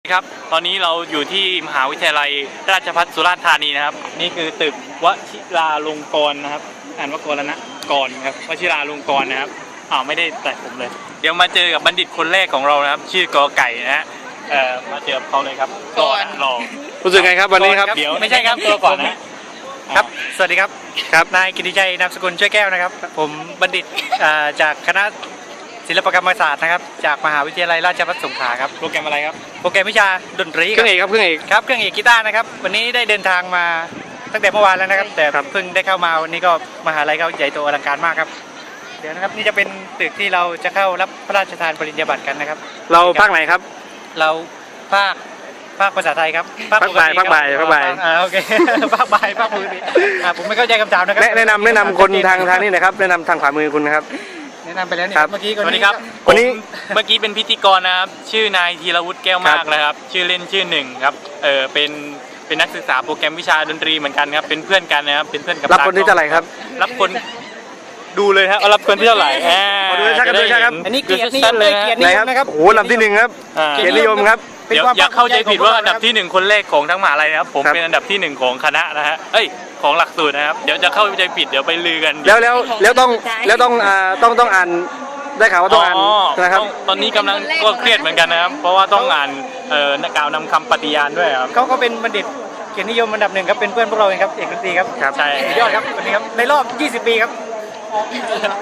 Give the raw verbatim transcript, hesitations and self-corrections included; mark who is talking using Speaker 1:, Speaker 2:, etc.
Speaker 1: ครับตอนนี้เราอยู่ที่มหาวิทยาลัยราชภัฏสุราษฎร์ธานีนะครับนี่คือตึกวชิราลงกรณ์นะครับอ่านว่ากรณะกรณ์ครับวชิราลงกรณ์นะครับอ้าวไม่ได้แต่ผมเลยเดี๋ยวมาเจอกับบัณฑิตคนแรกของเรานะครับชื่อกอไก่นะฮะเอ่อมาเจอเขาเลยครับรอรอ
Speaker 2: รู้สึกไงครับวันนี้ครับ
Speaker 1: เดี๋ยวไม่ใช่ครับตัวก่อนนะครับสวัสดีครับครับนายกิติชัยนามสกุลช่วยแก้วนะครับผมบัณฑิตจากคณะศิลปกรรมศาสตร์นะครับจากมหาวิทยาลัยราชภัฏสงขลาครับโปรแกรมอะไรครับโปรแกรมวิชาดนตรี
Speaker 2: เครื่องเอกครับเครื่องเอก
Speaker 1: ครับเครื่องเอกกีตาร์นะครับวันนี้ได้เดินทางมาตั้งแต่เมื่อวานแล้วนะครับแต่เพิ่งได้เข้ามาวันนี้ก็มหาลัยเขาใหญ่โตอลังการมากครับเดี๋ยวนะครับนี่จะเป็นตึกที่เราจะเข้ารับพระราชทานปริญญาบัตรกันนะครับ
Speaker 2: เราภาคไหนครับ
Speaker 1: เราภาคภาคภาษาไทยครับ
Speaker 2: ภาคบ่ายภาคบ่ายภาคบ่าย
Speaker 1: อ่าโอเคภาคบ่ายภาคมือดีอ่าผมไม่เข้าใจคำถามนะครับ
Speaker 2: แนะนำแนะนำคนทางทางนี้นะครับแนะนำทางขวามือคุณนะครับ
Speaker 1: แนะนำไปแล้วนี่
Speaker 2: ครับ
Speaker 1: เมื่อกี้
Speaker 3: สวัสดีครับ
Speaker 2: วันนี้
Speaker 3: เมื่อกี้เป็นพิธีกรนะครับชื่อนายธีรวุฒิแก้วมากนะครับชื่อเล่นชื่อหนึ่งครับเออเป็นเป็นนักศึกษาโปรแกรมวิชาดนตรีเหมือนกันครับเป็นเพื่อนกันนะครับเป็นเพื่อนกับ
Speaker 2: รับคนที่เท่าไหร่ครับ
Speaker 3: รับคนดูเลยครับรับคนที่เท่าไหร่อ่า
Speaker 2: ขอดูชัดๆด้วยครับ
Speaker 1: อันนี้เกียรตินิย
Speaker 3: สั้
Speaker 1: ม
Speaker 3: นๆ
Speaker 1: เล
Speaker 3: เลย ย
Speaker 1: เกียรติ
Speaker 2: ไห
Speaker 1: นิ
Speaker 2: น
Speaker 1: ย
Speaker 2: ครั
Speaker 1: ม
Speaker 2: บ
Speaker 1: นะครับ
Speaker 2: โอ้โหลำที่หนึ่งครับ
Speaker 3: อ่า
Speaker 2: เกียรตินิยมครับ
Speaker 1: เป็น
Speaker 3: เดี๋ยว
Speaker 1: ความ
Speaker 3: อย่าเข้าใจผิดว่า
Speaker 1: ภค
Speaker 3: อันดับที่หนึ่งคนแรกของทั้งมหาลัยนะครับผม
Speaker 2: ครับ
Speaker 3: เป็นอันดับที่หนึ่งของคณะนะฮะเอ้ยของหลักสูตรนะครับเดี๋ยวจะเข้าใจผิดเดี๋ยวไปลือกัน
Speaker 2: แล้วแล้วแล้วต้องแล้วต้องอ่าต้องต้องอ่านได้ข่าวว่าต้องอ่านนะครับ
Speaker 3: ต้องตอนนี้กำลังก็เครียดเหมือนกันนะครับ เพราะว่าต้องอ่านเอ่อกล่าวนำคำปฏิญาณด้วยครับ
Speaker 1: เขาก็เป็นบัณฑิตเกียรตินิยมอันดับหนึ่งครับเป็นเพื่อนพวกเราเองครับเอกดนตรีครับ
Speaker 2: ครับ
Speaker 3: ใช่
Speaker 1: สุดยอดครับวันนี้ครับในรอบยี่สิบปีครับ